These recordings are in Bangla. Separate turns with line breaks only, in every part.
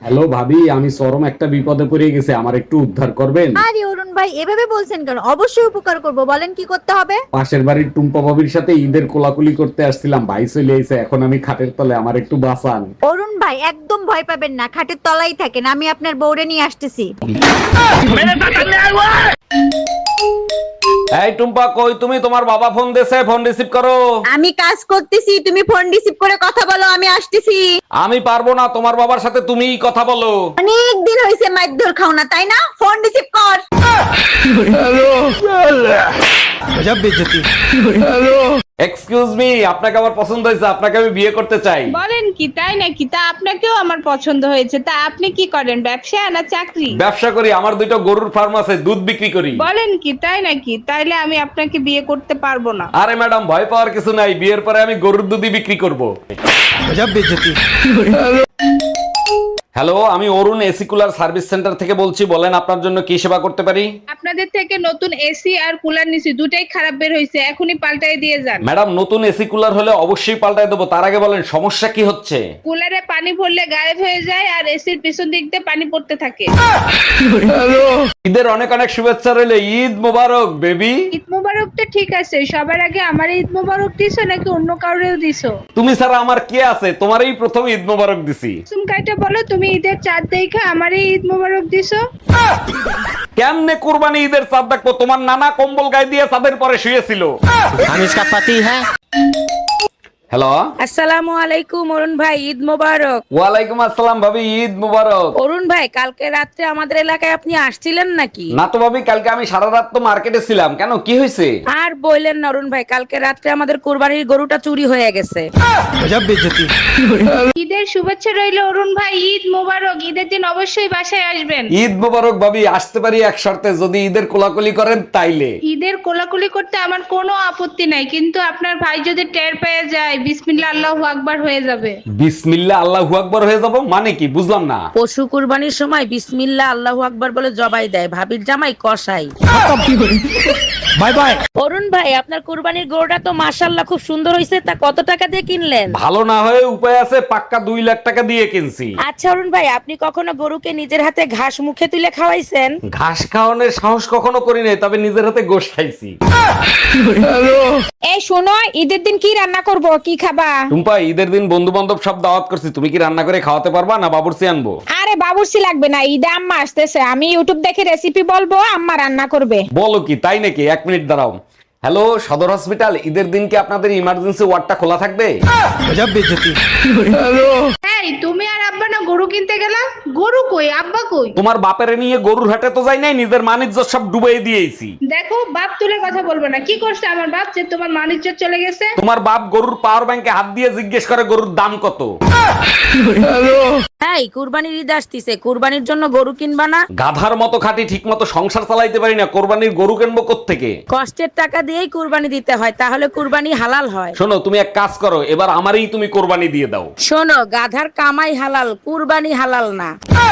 হ্যালো ভাবি, আমি চরম একটা বিপদে পড়ে গেছি, আমার একটু উদ্ধার করবেন?
আরে অরুণ ভাই, এভাবে বলছেন কেন? অবশ্যই উপকার করব, বলেন কি করতে হবে।
পাশের বাড়ির টুম্পা ভাবির সাথে ঈদের কোলাকুলি করতে আসছিলাম, ভাই চলে এসে এখন আমি খাটের তলে, আমার একটু বাঁচান।
অরুণ ভাই একদম ভয় পাবেন না, খাটের তলাই থাকেন, আমি আপনার বউরে নিয়ে আসতেছি।
এই টুম্পা, কই তুমি? তোমার বাবা ফোন দিয়েছে, ফোন রিসিভ করো।
আমি কাজ করতেছি, তুমি ফোন রিসিভ করে কথা বলো, আমি আসতেছি।
আমি পারবো না, তোমার বাবার সাথে তুমিই কথা বলো।
অনেক দিন হয়েছে মাইর খাও না, তাই না? ফোন রিসিভ কর।
এক্সকিউজ মি, আপনাকে আমার পছন্দ হয়েছে, আপনাকে আমি বিয়ে করতে চাই।
বলেন কি, তাই নাকি? তা আপনাকেও আমার পছন্দ হয়েছে। তা আপনি কি করেন, ব্যবসা না চাকরি?
ব্যবসা করি, আমার দুইটা গরুর ফার্ম আছে, দুধ বিক্রি করি।
বলেন কি, তাই নাকি? তাইলে আমি আপনাকে বিয়ে করতে পারবো না।
আরে ম্যাডাম, ভয় পাওয়ার কিছু নাই, বিয়ের পরে আমি গরুর দুধই বিক্রি করব। হ্যালো, আমি Arun AC cooler service center থেকে বলছি, বলেন আপনার জন্য কি সেবা করতে পারি।
আপনাদের থেকে নতুন এসি আর কুলার নিছি, দুটাই খারাপ বের হইছে, এখনই পাল্টাই দিয়ে যান।
ম্যাডাম, নতুন এসি কুলার হলে অবশ্যই পাল্টায় দেবো, তার আগে বলেন সমস্যা কি হচ্ছে।
কুলারে পানি ভরলে গায়েব হয়ে যায় আর এসির পিছন দিক দিয়ে পানি পড়তে থাকে।
ঈদের অনেক অনেক শুভেচ্ছা রইলে, ঈদ মোবারক বেবি।
ঈদ মোবারক তো ঠিক আছে, সবার আগে আমার ঈদ মোবারক দিছো নাকি অন্য কাউরেও দিছো?
তুমি ছাড়া আমার কে আছে, তোমারই প্রথম ঈদ মোবারক দিছি।
সুমকাইটা বলো, তুমি ঈদের চাঁদ দেখে আমারই ঈদ মোবারক দিছো?
কেমনে কুরবানি ঈদের চাঁদ দেখবো? তোমার নানা কম্বল গায়ে দিয়ে চাঁদের পরে শুয়েছিল।
हम इसका पति है।
হ্যালো,
আসসালামু আলাইকুম অরুণ ভাই, ঈদ মোবারক।
ওয়ালাইকুম আসসালাম ভাবি, ঈদ মোবারক।
অরুণ ভাই, কালকে রাত্রে আমাদের এলাকায় আপনি আসছিলেন নাকি?
না তো ভাবি, কালকে আমি সারা রাত তো মার্কেটে ছিলাম। কেন, কি হয়েছে?
আর বললেন না অরুণ ভাই, কালকে রাত্রে আমাদের কুরবানির গরুটা চুরি হয়ে গেছে।
ঈদের শুভেচ্ছা রইলো অরুণ ভাই, ঈদ মোবারক। ঈদের দিন অবশ্যই বাসায় আসবেন।
ঈদ মোবারক ভাবি, আসতে পারি এক শর্তে, যদি ঈদের কোলাকুলি করেন তাইলে।
ঈদের কোলাকুলি করতে আমার কোনো আপত্তি নাই, কিন্তু আপনার ভাই যদি টের পেয়ে যায়, বিসমিল্লাহ আল্লাহু আকবার হয়ে যাবে।
বিসমিল্লাহ আল্লাহু আকবার হয়ে যাব মানে কি, বুঝলাম না।
পশু কুরবানির সময় বিসমিল্লাহ আল্লাহু আকবার বলে জবাই দেয়, ভাবির জামাই কসাই।
Bye bye.
অরুণ ভাই, আপনার কুরবানির গরুটা তো মাশাআল্লাহ খুব সুন্দর হয়েছে, তা কত টাকা দিয়ে কিনলেন?
ভালো না হয়ে উপায় আছে, পাক্কা 2 লাখ টাকা দিয়ে কিনছি।
আচ্ছা অরুণ ভাই, আপনি কখনো গরুকে নিজের হাতে ঘাস মুখে তুলে খাওয়াইছেন?
ঘাস খাওয়ানোর সাহস কখনো করি নাই, তবে নিজের হাতে গোশ খাইছি।
এই শোনো, ঈদের দিন কি রান্না করব, কি খাবা?
টুম্পা, ঈদের দিন বন্ধু বান্ধব সব দাওয়াত করছি, তুমি কি রান্না করে খাওয়াতে পারবা না বাবুর্চি আনবো?
আরে বাবুর্চি লাগবে না, ঈদে আম্মা আসতেছে, আমি ইউটিউব দেখে রেসিপি বলবো, আম্মা রান্না করবে।
বলো কি, তাই নাকি? 1 মিনিট দাঁড়াও। হ্যালো, সদর হসপিটাল, ঈদের দিন কি আপনাদের ইমার্জেন্সি ওয়ার্ডটা খোলা থাকবে?
এই তুমি আর আব্বা না গরু কিনতে গেলা? গরু কই, আব্বা কই?
তোমার বাপের নিয়ে গরুর হাটে তো যাই নাই, নিজের মানিজ্য সব ডুবাই দিয়েছি।
দেখো, বাপ তুলে কথা বলবো না। কি করছে আমার বাপ যে তোমার মানিজ্য চলে গেছে?
তোমার বাপ গরুর পাওয়ার ব্যাংকে হাত দিয়ে জিজ্ঞেস করে গরুর দাম কত।
এই কুরবানির ঈদ আসতিছে, কুরবানির জন্য গরু কিনবা না?
গাধার মতো খাটি, ঠিক মতো সংসার চালাইতে পারি না, কোরবানির গরু কিনবো কোত্থেকে?
কষ্টের টাকা দিয়েই কুরবানি দিতে হয়, তাহলে কুরবানি হালাল হয়।
শোনো, তুমি এক কাজ করো, এবার আমারই তুমি কোরবানি দিয়ে দাও।
শোনো, গাধার কামাই হালাল, কুরবানি হালাল না।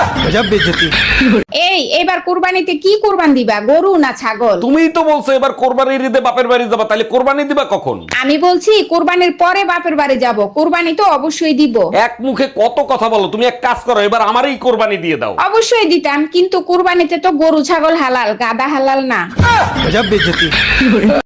এই এবার কুরবানিতে কি কুরবান দিবা, গরু না ছাগল?
তুমিই তো বলছো এবার কোরবানির ঈদে বাপের বাড়ি যাবা, তাহলে কোরবানি দিবা কখন?
আমি বলছি কুরবানির পরে বাপের বাড়ি যাব, কুরবানি তো অবশ্যই দিব।
এক মুখে কত কথা বলো, তুমি এক কাজ করো, এবার আমারই কোরবানি দিয়ে দাও।
অবশ্যই দিতাম, কিন্তু কুরবানিতে তো গরু ছাগল হালাল, গাদা হালাল না।